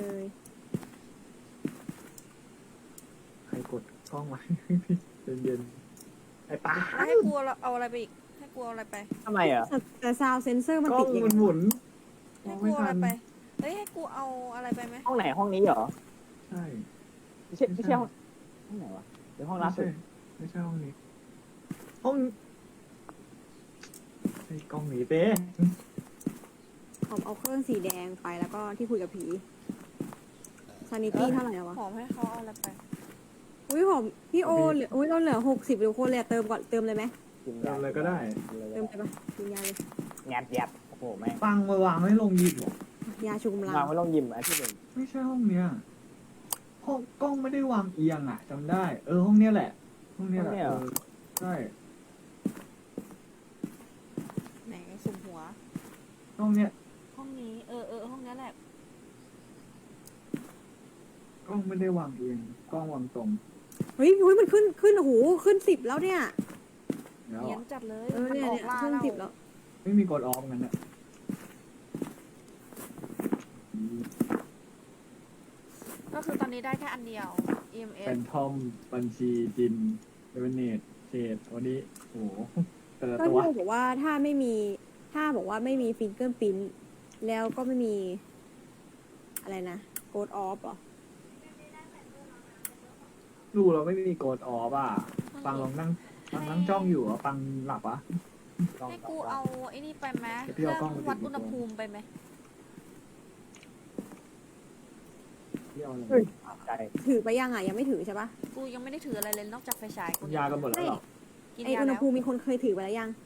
B: ใครกดกล้องไว้ เย็นๆไอ้ตา
A: แล้วให้กูเอาอะไรไปอีก ให้กูเอาอะไรไป
D: ทำไมอ่ะ
C: แต่แต่ซาวเซนเซอร์มัน
B: กล้อ
C: ติ
B: ง
C: ดอย่าง
B: มันหมุนม
A: ให้
B: อง
A: กู
B: ไม่
A: เอาอะ
B: ทั
A: ไร
B: น
A: ไป เฮ้ย ให้กูเอาอะไรไปไหม
D: ห้องไหนห้องนี้เหรอ
B: ใช่
D: ไม่ใช่ไม่ใช่ห้องห้องไหนวะเดี๋ยวห้องล่าสุด
B: ไม่ใช่ห้องนี้ ห้องไอ้กล้องหนีเต้
C: ผมเอาเครื่องสีแดงไปแล้วก็ที่คุยกับผีซานิตี้เท่าไหร่แล้ววะ
A: หอมให้เขาเอาอะไรไป
C: อุ้ยผมพี่โอเหลืออุ้ยเราเหลือหกสิบทุกคนเลยอะเติมก่อนเติมเลยไหม
D: กิน
B: ทำอะไรก็ได้
C: เติมไปปะกินยาเลย
D: งานแยบโอ้โหแม่ง
B: ปังมาวางไว้ลงยิมเหรอ
C: ยาชูกำลัง
D: วางไว้ลงยิมอันที่หนึ่ง
B: ไม่ใช่ห้องเนี้ยห้องกล้องไม่ได้วางเอียงอ่ะจำได้ เออห้องเนี้ยแหละ ห้องเนี้ยแหละเออใช่
A: ไหนสุ่มหัว
B: ห้องเนี้ย
A: ห้องนี้ เออเออห้องนี้แหละ
B: กล้องไม่ได้วางเอียงกล้องวางตรง
C: เฮ้ยเฮ้ยมันขึ้นขึ้นโอ้โหขึ้นสิบแล้วเนี่ย
B: แล้ว
A: เฮียนจัดเลย
C: เออ
A: มัน
C: เนี่ย
A: ออ
C: เนี่
A: ก
C: ย
A: ล่า
C: ขึ้น
A: เรา
C: สิบแล้ว
B: ไม่มีกดออฟกันอ่ะ
A: ก็คือตอนนี้ได้แค่อันเดียว อี เอ็ม เอ
B: เป็
A: ส
B: นทอมบัญชีจินเดเวเนตเชดวันนี้โอ้โหแต่ละ
C: ก็
B: ตัว
C: ที่บอกว่าถ้าไม่มีถ้าบอกว่าไม่มีฟิงเกอร์ปิ้นแล้วก็ไม่มี อะไรนะโกดออฟหรอ
B: ดูเราไม่มีกดออฟอ่ะปังลองนั่งปังนั่งจ้องอยู่อ่ะปังหลับอ่ะ
A: ให้กูเอาไอ้นี่ไปไหม
B: เดี๋ยว
A: เค
B: พี่
A: รื่
B: เอากล้อง
A: อง
B: ไปติด
A: วัดอุณหภูมิไปไหม
B: ที่เอาอะไร
D: ใจ
C: ถือไปยังอ่ะยังไม่ถือใช่ปะ
A: กูยังไม่ได้ถืออะไรเลยนอกจากไฟฉายกู
B: กินยากันหมดแล้วเหรอ
A: กิน
C: ไอ
A: ยา
C: อุณห
A: แล้ว
C: ภูมิมีคนเคยถือไปแล้วยัง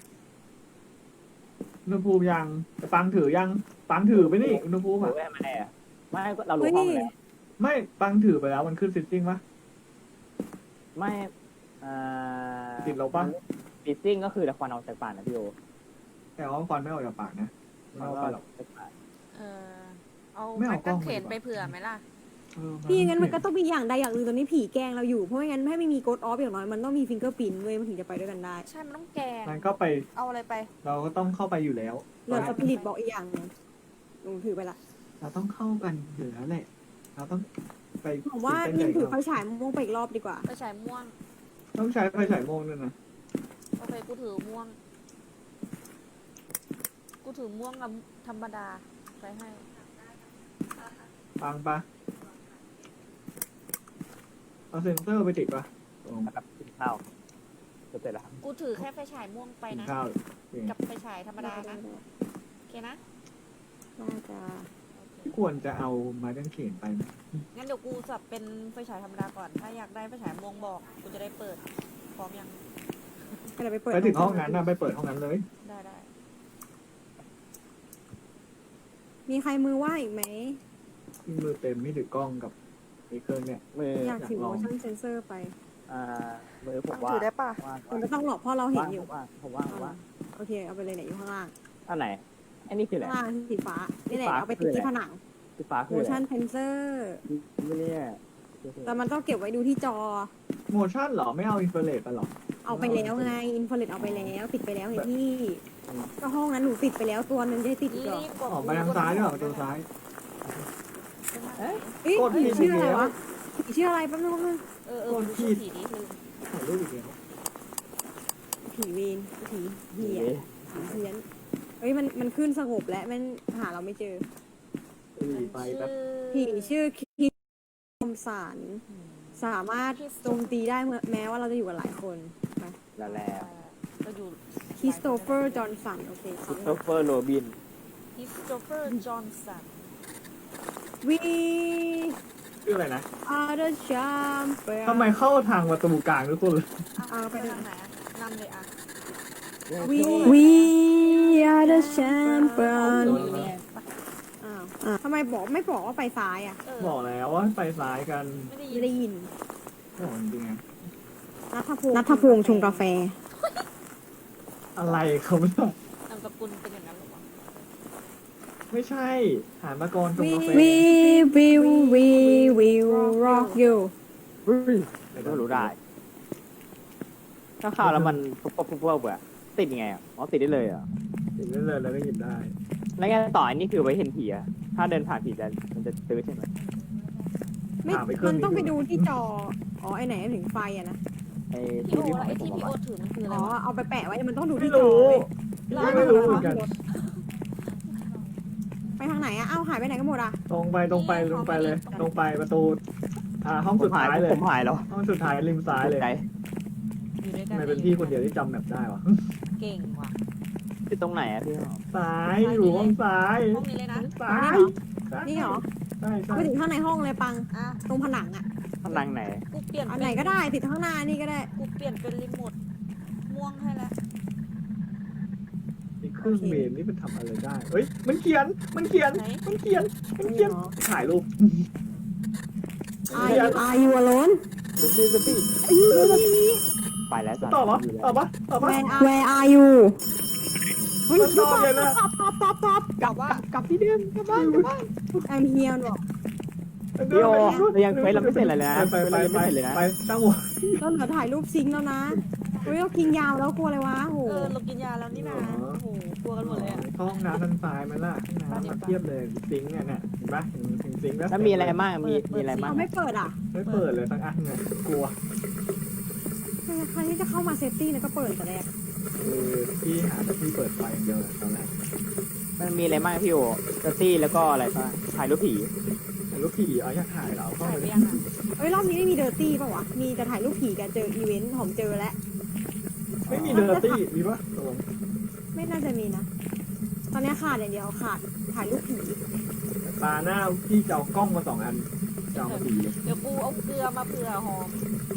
B: อุณหภูมิยังแต่ปังถือยังปังถือไปนี่อุณหภูมิ
D: รู้
B: อ่ะ
D: ไว้ทำไมอ่ะไม่ก็เรารู้
C: เฮ้ย
D: ห้อง
C: นี่
D: แล้ว
B: ไม่ปังถือไปแล้วมันขึ้นซิตติ้งปะ
D: ไม่อ่า
B: ติดลบปะ
D: ติดซิ่งก็คือแต่ควันออกจากปากนะพี่โอ
B: แต่ว่าควันไม่ออกจากปากนะไม่
D: มัน
B: เอา
D: ก็
B: ไปหรอก
A: เออเอา
B: ไม่
A: ไม้
B: เอากล้
A: กา
B: อง
A: งเขน
B: มาดีกว่า
A: ไปเผื่อไหมล่ะ
B: เออ
C: พี่งั้นมันก็ต้องมีอย่างใดอย่างหนึ่งตอนนี้ผีแกล้งเราอยู่เพราะไม่งั้นถ้าไม่มีโกดออฟอย่างน้อยมันต้องมีฟิงเกอร์ปินเว้ยมันถึงจะไปด้วยกันได้
A: ใช่มันต้องแกง
B: มันก็ไป
A: เอาอะไรไป
B: เราก็ต้องเข้าไปอยู่แล้ว
C: เหลือสปิริตบอกอีกอย่างหนึ่งหนูถือไปละ
B: เราต้องเข้ากันอยู่แล้วแหละ เราต้องไป
C: ผมว่า
B: ตื่
C: มิ
B: เต้
C: น
B: น
C: ถือ
B: กั
C: ไฟฉายม่วงไปอีกรอบดีกว่า
A: ไปฉายม่วง
B: ต้องใช้ไฟฉายโมงด้วยนะ
A: โอเคกูถือม่วง กูถือม่วงกับธรรมดาไปให้
B: ฟังปะเอาเซ็นเซอร์ไปติดปะตรง
D: นะครับกินข้าวจะเสร็จแล้วครับ
A: กูถือแค่ไฟฉายม่วงไป
B: กิน
A: นะ
B: ข้าว
A: กับไฟฉายธรรมดานะโอเคนะ
C: น่าจะ
B: ควรจะเอาไม้กางเขนไปไหม
A: งั้นเดี๋ยวกูสับเป็นไฟฉายธรรมดาก่อน ถ้าอยากได้ไฟฉายม่วงบอก กูจะได้เปิด พร้อมยัง
C: ก็เลยไปเปิด
B: ไปถึงห้องนั้นนะไปเปิดห้องนั้นเลย
A: ได้ได้
C: มีใครมือว่างอีกไหม
B: ที่มือเต็มไม่ถือกล้องกับไอ้เครื่องเนี่ย
D: มือ
C: อยากถือ
B: อยากลอง
C: motion sensor ไป
D: อ่ามือผม
A: ตั้ง
D: ว่า
A: ถือได้ป่ะ
D: ว่าง
C: มันไม่ต้องหรอกเพราะเราเห็น
D: ว่าง
C: อยู่
D: ผมว่างผมว่างผมว่าง
C: โอเคเอาไปเลยไหนอยู่ข้างล่าง
D: อันไหนอันนี้คืออะไร
C: ข้างล่างสีฟ้านี่แหละ
D: สีฟ้า
C: เอาไปติด
D: คือ
C: ที่
D: อะไร
C: ผนัง
D: สีฟ้าคืออะไร
C: motion sensor
D: ไม่เนี่ย
C: แต่มันต้องเก็บไว้ดูที่จอ
B: โมชั่นเหรอ ไม่เอาอินฟราเรดไปหรอ
C: เอาไปแล้วไงอินฟ a เรดเอาไปแล้ว ติดไปแล้วไงพี่ก็ห้องนั้นหนูติดไปแล้วตัวหนึงจะให้ติดอีกเหรอ
A: รีบกด
B: ออกไปทางซ้ายด้วยเหรอประตูซ้าย
C: เอ๊ะ
B: กดผิ
C: ผี
B: ด
C: ชื่ออะไร
B: แล้ว
C: วะผีชื่ออะไรแป๊บนึงแป๊บนึง
A: เออเออดูชื่อผีดิลืม
B: ถ่ายรูปอีกแล้ว
C: ผีเวนผีเหี้ยผีเพี้ยนเฮ้ยมันมันขึ้นสงบแล้วมันหาเราไม่เจอ
B: รีไปแป๊บ
C: ผีชื่อคิดคมสารสามารถโจมตีได้เมื่อแม้ว่าเราจะอยู่กันหลายคนไป
D: แล้วแล้ว
A: ก็อยู่
C: คริสโตเฟอร์จอห์นสันโอเค
D: คริสโตเฟอร์โรบิน
A: คริสโตเฟอร์จอห์นสัน
C: วี
B: ชื่ออะไรนะ
C: อาร์เดอร์ชามเป
B: ทำไมเข้าทางประตูกลางทุกคนเลย
A: เอาไปทางไหนอะนำเลยอ่ะ
C: วีวีอาร์เดอร์แชมเปี้ยน
A: โดนอยู่เนี่ยไป
C: อ้าวอ่ะทำไมบอกไม่บอกว่าไปซ้ายอ่ะ
A: เออ
B: บอกแล้วว่าไปซ้ายกัน
A: ไม่ได้ยิ
C: ไม่
A: น
C: ได้ยิน
B: บอกจริงๆอะ
C: นัทพงศ์นัทพงศ์ชงกาแฟ
B: อะไรเขาไม่ต้อง
A: นามสกุลเป็นอย่างนั้นหรอวะ
B: ไม่ใช่หานมากรตรงกาแฟ
C: We will we will rock you
D: เฮ้ยไม่รู้ได้ ถ้าข่าวแล้วมันปุ๊บปุ๊บปุ๊บปุ๊บอะติดยังไงอ่ะอ๋อติดได้เลยอ่ะ
B: ติดได้เลยแล้วก็หยิบได้
D: แล้วไงต่ออันนี้คือไว้เห็นผีอะถ้าเดินผ่านผีจะมันจะตื้อใช่ไหม
C: ไม่
B: ถามไปเครื่
C: มั
B: อง
C: น
B: นี้
C: ต้องไป
B: ดู
C: ดูที่จอ อ๋อ ไอไหนถึงไฟอะนะ
D: ไอ้
A: พี่
D: ที่
A: โอ
D: พี่
A: แล้วไอ้
D: ผ
A: ที่
D: ม
A: พี่
D: บ
A: โอ
D: อก
A: ถือมันคืออะไร
C: อ๋อ
A: วะ
C: เอาไปแปะไว้มันต้องดู
B: ไม่
C: ที่จอ
B: รู้
C: เว้ย
B: ไม่ไม่รู้เหมือนกัน
C: ไปทางไหนอะเอ้าหายไปไหนกันหมดอะ
B: ตรงไปตรงไปตรงไปเลย ตรงไปประตู อ่าห้อง
D: ผ
B: สุ
D: ม
B: ด
D: หาย
B: ท้ายเลย
D: ผมหายแล้ว
B: ห้องสุดท้ายริมซ้ายเลย
D: ใจ
A: อยู่ด้วยกั
B: ทำ
A: น
B: ไมเป็นพี่คนเดียวที่จำแบบได้วะ
A: เก่งว่ะ
D: ที่ตรงไหนอะพี่
B: ซ้ายอยู่ห้องซ้าย
A: ห้องนี้เลยนะ
B: ซ้าย
C: นี่เหรอ
B: ใช่ใช่
C: ไปถึงข้างในห้องเลยปัง
A: อ่ะ
C: ตรงผนังอะ
D: ผนังไหน
A: กูเปลี่ยน
C: อันไหนก็ได้ติดข้างหน้านี่ก็ได้
A: กูเปลี่ยนเป็นรีโมทม่วงให้แล้ว
B: ไอ้เครื่องเมนนี่มันทำอะไรได้เฮ้ยมันเขียนมันเขียนมันเขียนมันเขียนถ่ายรูป
C: Are you Are you alone
D: สปีสปีไปแล้วสัตว์
B: ตอบปะ
D: อยู่แล้ว
B: ตอบปะตอบปะ
C: Where are Where are you เฮ้ย
B: มันตอบเลยนะ
C: ตอบตอบตอบตอบ
A: กลับว่าก
B: ลับที่เดิมกลับบ้านกลับบ้าน
C: I'm here บอก
D: พี่โอเรายังเควสเราไม่เสร็จเลยนะ
B: ไปไป
D: เรายัง
B: ไป
D: ไม่เสร็จเลยนะ
B: ไปตั้งหัว
C: เราเหลือถ่ายรูปซิงค์แล้วนะเฮ้ยเรากินยาวแล้วกลัวอะไรวะโห
A: เออเรากินยาแล้วนี่นะโอ้โหกลัวกันหมดเลยอ่ะ
B: ห้องน้ำทางซ้ายมันล่ะห้องน้ำมาเทียบเลยซิงค์เนี่ยเนี่ยเห็นปะเห็นเห็นซิงค์แล้ว
D: แล้วมีอะไรบ้างมีมีอะไรบ้าง
C: เขาไม่เปิดอ่ะ
B: ไม่เปิดเลยสักอันเนี่ยกลัว
C: ใครที่จะเข้ามาเซฟตี้นะก็เปิดแต่แรก
B: คือพี่หาแต่พี่เปิดไฟอย่างเดียวเลยตอนแรก
D: มันมีอะไรบ้างพี่โอเจสซี่แล้วก็อะไรบ้างถ่ายรูปผี
B: แต่ลูกผีเอาอยากถ่ายเราเข้า
A: ถ่าย
B: ไป
A: ไปยังอ่ะ
C: เอ้ยรอบนี้ไม่มีเดอร์ตี้ป่าวะ มีแต่ถ่ายรูปผีกันเจออีเวนต์ผมเจอแล้ว
B: ไม่มีเดอร์ตี้มีปะตกลง
C: ไม่น่าจะมีนะ ตอนนี้ขาดอย่างเดียวขาดถ่ายรูปผี
B: ตาหน้าพี่จะเอากล้องมาสองอันจะเอามาผีเลย
A: เดี๋ยวกูเอาเกลือมาเผื่อหอม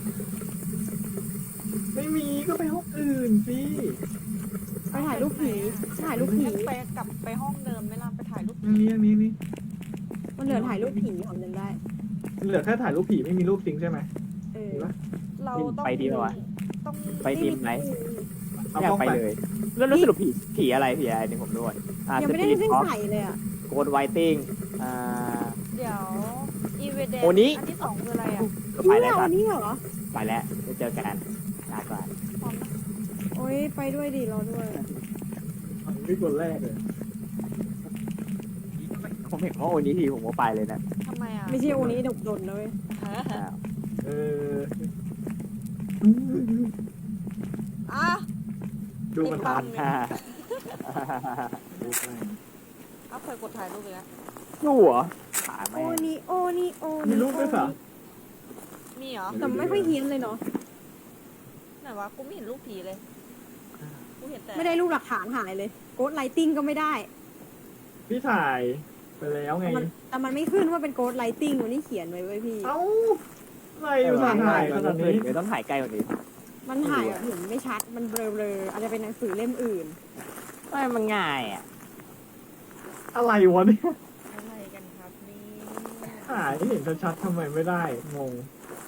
B: ไม่มีก็ไปห้องอื่นสิ
C: ไปถ่ายรูปผีถ่ายรูปผี
A: ไปกลับไปห้องเดิมไหม่ล่ะไปถ่ายรูป
B: อันนี้อันนี้นี่
C: มันเหลือถ่ายรูปผีผมจำได้
B: เหลือแค่ถ่ายรูปผีไม่มีรูปซิงค์ใช่ไหม
C: เออ
B: มีปะ
A: เราต้อง
D: ไปดีป่าวะ
A: ต้อง
D: ไปทีมไหน
B: เอา
D: อยาก
B: กล้อง
D: ไป
B: ไป
D: เลย แล้วแล้วสรุปผีผีอะไรผีอะไรนี่ผมด้วยอ่า
C: ยัง
D: ส
C: ไม่ได้
D: ปีด
C: เส้น
D: ออฟ
C: ใส่เลยอ่ะ
D: โกดไวติ้งอ่า
A: เดี๋ยวอีเวทแดง
D: โอนี้
A: อันที่สองคืออะไรอ่ะ
D: ก็
C: นี่
D: ไป
C: เห
D: แล้ว
C: รอ
D: สัตว์
C: นี่เหรอ
D: ไปแล้วไปเจอกันลาก่อน
A: พร้อมนะ
C: โอ้ยไปด้วยดิรอด้วย
B: นี่คนแรกเลย
D: ผมเห็นว่าโอนี้ทีผมก็ไปเลยนะ
A: ทำไมอ่ะ
C: ไม่ใช่โอนี้ดกดนเลย
A: ฮะ
D: อ้าว
B: เออ
A: อ่ะ
B: ดูมันทาน
D: ฮ่า
B: ดูไป
A: เอาเคยกดถ่ายรูปไปแล้ว
D: ดูเหรอขา
C: โอ
D: แม่ง
C: นี้โอนี้โอ
B: มี
C: นี้
B: รูปด้วยเหรอ
A: มีเหรอ
C: แต่ไม่ค่อยเฮี้ยนเลยเนาะ
A: ไหนวะกูไม่เห็นรูปผีเลยกูเห็นแต่
C: ไม่ได้รูปหลักฐานหายเลยโกดไลติงก็ไม่ได้
B: พี่ถ่ายไปแล้วไง
C: แต่มันแต่มันไม่ขึ้นว่าเป็นโกดไลติงวันนี้เขียนไว้ไว้ยพี่
B: เอ้าอะไรอยู่ถ่ายถ่ายขนาดนี้
D: เดี๋ยวต้องถ่ายใกล้กว่านี้
C: มันถ่ายแบบเห็นไม่ชัดมันเบลอๆอาจจะเป็นหนังสือเล่มอื่น
D: ไม่มันง่ายอ่ะ
B: อะไรวะเนี่ย
A: อะไรกันครับนี่
B: ถ่ายให้เห็นชัดๆทำไมไม่ได้งง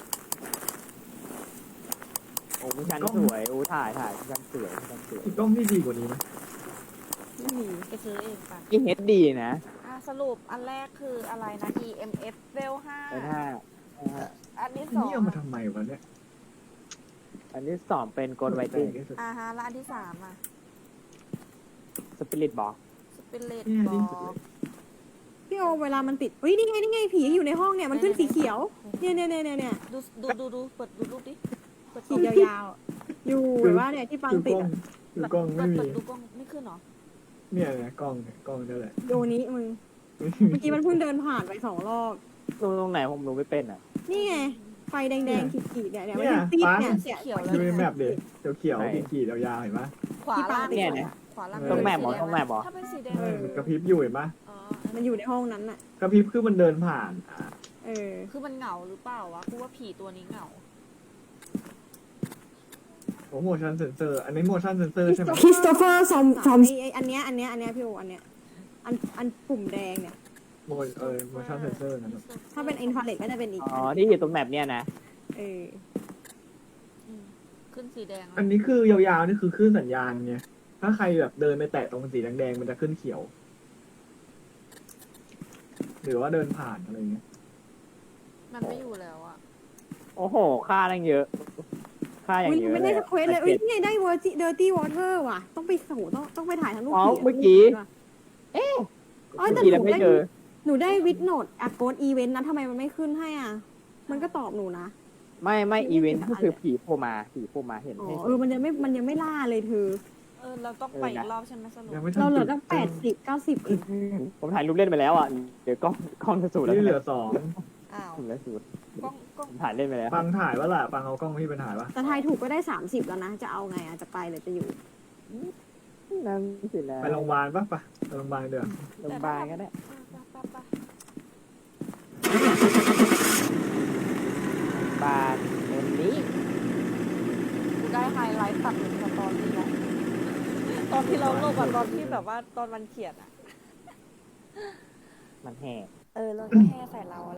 D: โอ้ผู้ชันสวยโอ้ถ่ายถ่ายผู้ชันสวยผู้ชันสวย
B: อีกกล้องที่ดีกว่านี้ไหม
C: ไม่มี
A: ไปซื้อเองป่ะ
D: นี่เฮดดีนะ
A: อ่ะสรุปอันแรกคืออะไรนะ อี เอ็ม เอฟ เวลห้า
D: แต่ถ้าอ่า
A: อันที่
B: อัน
A: สอง
B: นี้เอามาทำไมวะเนี่ย
D: อันที่สองเป็นโกลไวติ้ง
A: อ่าฮะแล้วอันที่สามอ่ะ
D: สปิริตบอก
A: สปิเลต
B: เนี่ย
A: บ
B: นี่
A: อ
B: สุด
A: ก
B: เลย
C: พี่โอเวลามันติดเฮ้ยนี่ไงนี่ไงผีอยู่ในห้องเนี่ยมันขึ้นสีเขียวเนี่ยเนี่ยเนี่ยเนี่ยเนี่ย
A: ดูดูดูดูเปิดดูรูปดิเปิด
C: ขีดยาวๆอะอยู่แบบว่าเนี่ยที่ปัง
B: ดู
C: ติ
B: ก
C: ด
B: ล้อง
C: อะ
B: ดูกล้อง
A: เปิ
B: ไม่
A: ด
B: มี
A: เปิดดูกล้องไม่ขึ้นเหรอ
B: เนี่ยเนี่ยกล้องเนี่ยกล้องนั่นแหละ
C: โยนี้มึงเมื่อกี้มันเพิ่งเดินผ่านไปสองรอบ
D: ตรงตรงไหนผมรู้ไม่เป็นอ่ะ
C: นี่ไงไฟแดงๆขีดๆเนี่ยเนี่ยมัน
B: เนี่ย
C: ติด
B: ฟ้า
C: เนี่ย
A: สีเขียวแล้ว
B: ดูใน
A: เนี่ย
B: แมปดิเขียวๆขีดๆยาวๆเห็นปะ
A: ขวาล่าง
D: เนี่ยเนี่ย
A: ขวาล่าง
B: ตรงแมป
D: เหรอตรงแมปเหรอ
A: ถ้าเป็นสีแดง
B: เออมันกระพริบอยู่เห็นปะ
A: อ๋อ
C: มันอยู่ในห้องนั้นน่ะ
B: กระพริบคือมันเดินผ่านอ่ะ
C: เออ
A: คือมันเหงาหรือเปล่าวะกูว่าผีตัวนี้เหงา
B: โอ้โห motion sensor อันนี้ motion sensor ใช่ไหม
C: คริสโตเฟอร์ซอมซอมไอ้อันเนี้ยอันเนี้ยอันเนี้ยพี่โออันเนี้ยอันอันปุ่มแดงเนี่ย
B: โมเออ motion sensor นะครับ
C: ถ้าเป็นอินฟราเรดก็จะเป็นอีก
D: อ๋อที่อยู่ตรงแมปเนี่ยนะ
C: เออ
A: อืมขึ้นสีแดง
B: อันนี้คือยาวๆนี่คือคลื่นสัญญาณไงถ้าใครแบบเดินไปแตะตรงสีแดงๆมันจะขึ้นเขียว หรือว่าเดินผ่านอะไรเงี้ย
A: มันไม่อยู่แล้วอ่ะ
D: โอ้โหค่าตั้งเยอะ ค่าอย่าง
C: อุ้ย
D: เยอะ
C: ไม่ได้
D: เลย
C: ส
D: อะ
C: เควสเลยเอ้ยนี่ไงได้เวอร์จิเดอร์ตี้วอเตอร์ว่ะ ต้องไปโหต้องต้องไปถ่ายทั้งรูป
D: อ๋อ
C: ผีะ
D: เมื่อกี้
C: ว่ะ
B: ก็
C: อ๋อแต่
D: เมื่อกี้แล้วไม่เจอ
C: หนูได้วิดโนดอะโกดอีเวนต์นะทำไมมันไม่ขึ้นให้อ่ะ มันก็ตอบหนูนะ
D: ไม่ไม่อีเวนต์ก็คือผีโผล่มาผีโผล่มาเห็น
C: อ๋อ
D: ให้
C: เออมันยังไม่มันยังไม่ล่าเลยเธอ
A: เออเราต้องไปอีกรอบใช่ไหมสรุป
B: ยังไม่ทัน
C: เราเหลือ
B: จุด
C: ตั้งแปดสิบเก้าสิบเอง
D: ผมถ่ายรูปเล่นไปแล้วอ่ะเดี๋ยวกล้องกล้องจะสูดแล้ว
B: นี่เหลือสอง
A: อ้าว
D: สูดแล้วสูด
A: กล้องกล้อง
D: ผมถ่ายเล่นไปแล้ว
B: ปังถ่ายว่าล่ะปังเอากล้องพี่ไปถ่ายปะ
C: แต่ทายถูกก็ได้สามสิบแล้วนะ จะเอาไงอ่ะ จะไปหรือจะอยู่
D: นั่นสิแล้ว
B: ไปโรงพยาบาลปะปะไปโรงพยาบาลเดี๋ยว
D: โรงพยาบาลก็ได้
A: อ่ะไปไปไป
D: บาลเอ็มนี้
A: กูได้ไฮไลท์ตัดหนึ่งสตอรี่แล้วตอนที่เราลงอะตอนที่แบบว่าตอนมันเขียนอ่ะ
D: มันแห่
A: เออเราก็แค่ใส่เรา